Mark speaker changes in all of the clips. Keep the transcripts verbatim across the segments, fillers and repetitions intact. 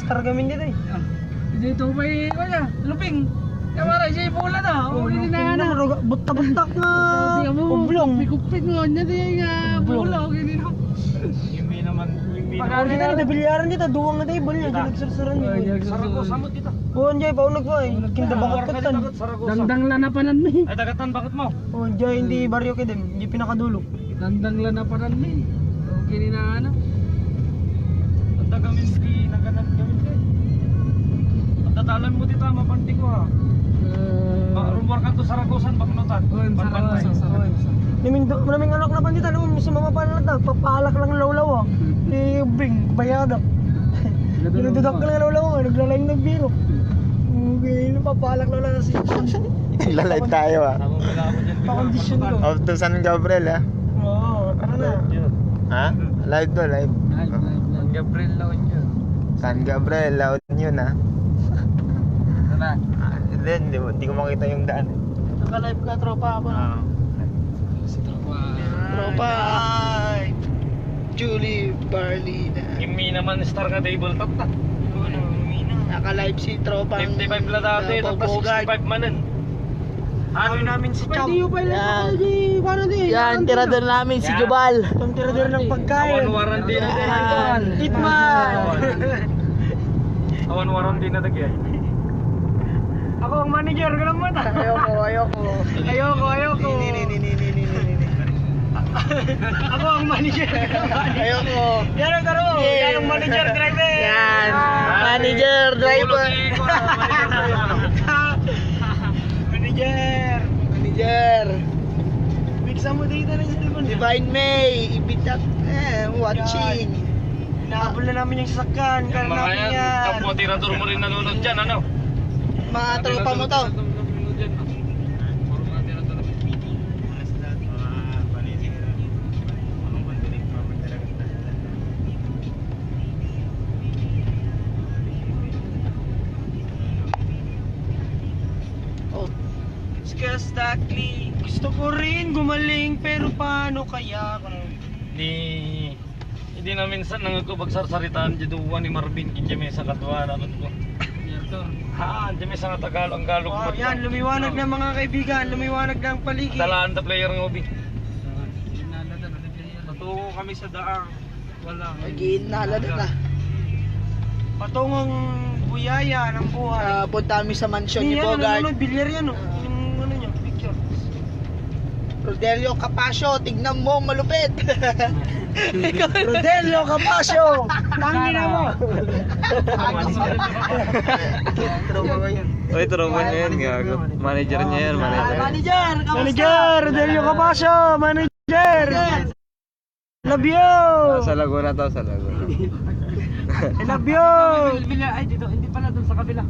Speaker 1: targamin dito eh.
Speaker 2: Dito may, kaya, luping. Kamara, siya ipulan na.
Speaker 1: Oh,
Speaker 2: Hindi na na.
Speaker 1: Buta-butak nga. Ublong.
Speaker 2: Kupit mo, niya din nga. Bulong, hindi na.
Speaker 3: Yumi naman, yumi
Speaker 1: Pag kita na bilyaran dito, duwang na tayo, bali na, ginagsursuran niyo.
Speaker 3: Saragosa mo dito.
Speaker 1: Buwan dyan, paunag ko eh. Kinda bakit katan.
Speaker 2: Dandang lanapanan mi.
Speaker 3: Ay, dagatan, bakit mo?
Speaker 1: Oh, dyan, hindi baryo ka din, hindi pinakadulo.
Speaker 2: Dandang lanapanan mi. Okay na ano.
Speaker 3: Ang dagamin di naganan gawin ka eh. Ang tatalan mo dito, mapanti ko ha.
Speaker 2: Uh,
Speaker 3: Rumor ka to Saragosan, baknotan. Pagpantay.
Speaker 1: Naming, naming anak na pandita, naman si mama panak na, papalak lang lawlaw ah. Eh, bing, bayadak. Dinududak ka lang lawlaw ah, naglalayang ng biro. Okay, papalak lang lang si
Speaker 4: Nagla-live tayo ah.
Speaker 3: Tamang pala ako dyan.
Speaker 1: pa-condition ko.
Speaker 4: Off to San Gabriel ah.
Speaker 1: Oo, tara na.
Speaker 4: Ha? Live to, live.
Speaker 2: live, live, live.
Speaker 3: Gabriel Laon yun.
Speaker 4: San Gabriel, laon yun ah.
Speaker 3: Tara.
Speaker 4: Ah, Hindi, hindi, mo- hindi ko makita yung daan.
Speaker 1: Naka-live ka, tropa ako.
Speaker 4: Ah.
Speaker 1: Tropa! Julie Barlina.
Speaker 3: Yumi naman, star nga table top na.
Speaker 1: Naka-live si tropa.
Speaker 3: fifty-five na dati, tapos sixty-five manan.
Speaker 1: Ano namin si Cham?
Speaker 2: Yan.
Speaker 1: Paano di?
Speaker 2: Yan, tirador namin si
Speaker 3: Yan.
Speaker 2: Jubal.
Speaker 1: Ang tirador ng pagkain.
Speaker 3: Awan warranty na din.
Speaker 2: Yan.
Speaker 1: Hitman!
Speaker 3: Awan warranty na din.
Speaker 1: Ako ang manager ko lang mata. Ayoko, ayoko. Ayoko, ayoko. Ni ni ni ni ni ni ni. Ako ang manager. Ayoko. Yan ang taro. Yan ang manager driver.
Speaker 2: Yan. Manager, driver.
Speaker 1: Manager.
Speaker 2: Manager.
Speaker 1: Bigsa mo dito na sa telepon.
Speaker 2: Divine May, ibitak eh, watching.
Speaker 1: Inaabol na namin yung sasakyan. Kaya
Speaker 3: Mga
Speaker 1: namin
Speaker 3: yan,
Speaker 1: yan.
Speaker 3: kampo tirador mo rin nanonood dyan, ano?
Speaker 2: Mga tropa mo to.
Speaker 1: Oh. Skastakli. Gusto ko rin gumaling pero paano kaya kung
Speaker 3: Di hindi na minsan nangagkubag sarsaritaan jiduwa ni Marvin kinja may sa katwa ano ko. Ha, di may sa Tagalog ang Galog.
Speaker 1: oh, yan, lumiwanag na mga kaibigan, lumiwanag na ang paligid.
Speaker 3: Talaan ta player ng ubi.
Speaker 1: Patungo kami sa daang. Wala.
Speaker 2: Again, nalada na.
Speaker 1: Patungong buyaya ng buhay.
Speaker 2: Uh, punta kami sa mansion ni
Speaker 1: Yan, ano,
Speaker 2: Bogart.
Speaker 1: ano, bilyar yan, oh. Yung ano niya, picture.
Speaker 2: Rodelio Capasio, tignan mo, malupit.
Speaker 1: Rodelio Capasio! Tangin na mo!
Speaker 4: Uy, tropa niya yan, gago. Manager niya yan, manager.
Speaker 2: Manager, kamusta?
Speaker 1: Manager! Rodelio Capasio! Manager! Love you!
Speaker 4: Sa Laguna to, sa Laguna.
Speaker 1: I love you!
Speaker 3: Ay dito, hindi pala doon sa kabila.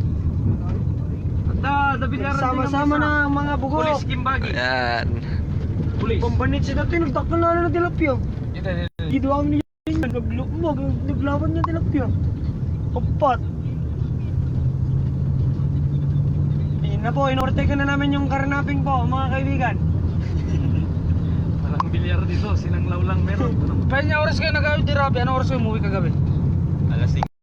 Speaker 3: Da, da bilyaran din
Speaker 1: Sama-sama na ang mga bugo.
Speaker 3: Police Kimbagi.
Speaker 4: Yan.
Speaker 3: Police.
Speaker 1: Pambanit siya dati, nagtakpan na na tilapyo.
Speaker 3: Dito, dito.
Speaker 1: Giduang niya yun, naglukmog, naglaban niya tilapyo. Kapat. Ayun na po, inorte na namin yung karnaping po, mga kaibigan.
Speaker 3: Walang bilyar dito, sinanglaw lang meron. Kaya niya oras kayo nag-awit di Rabi, anong oras kayo umuwi kagabi?
Speaker 4: Alas